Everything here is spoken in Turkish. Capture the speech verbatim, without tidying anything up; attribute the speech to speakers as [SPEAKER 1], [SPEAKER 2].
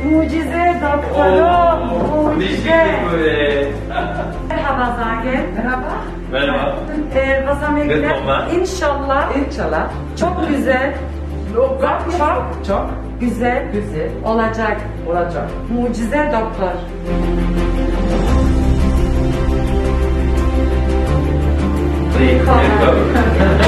[SPEAKER 1] Mucize doktorum, mucize.
[SPEAKER 2] böyle.
[SPEAKER 1] Merhaba Zagel.
[SPEAKER 3] Merhaba.
[SPEAKER 2] Merhaba.
[SPEAKER 1] Ee, was haben wir
[SPEAKER 2] Willkommen.
[SPEAKER 1] gelernt? İnşallah
[SPEAKER 3] İnşallah.
[SPEAKER 1] çok güzel,
[SPEAKER 3] Çok
[SPEAKER 1] çok
[SPEAKER 3] çok
[SPEAKER 1] güzel
[SPEAKER 3] güzel
[SPEAKER 1] olacak.
[SPEAKER 3] olacak.
[SPEAKER 1] Mucize doktor.
[SPEAKER 2] Willkommen.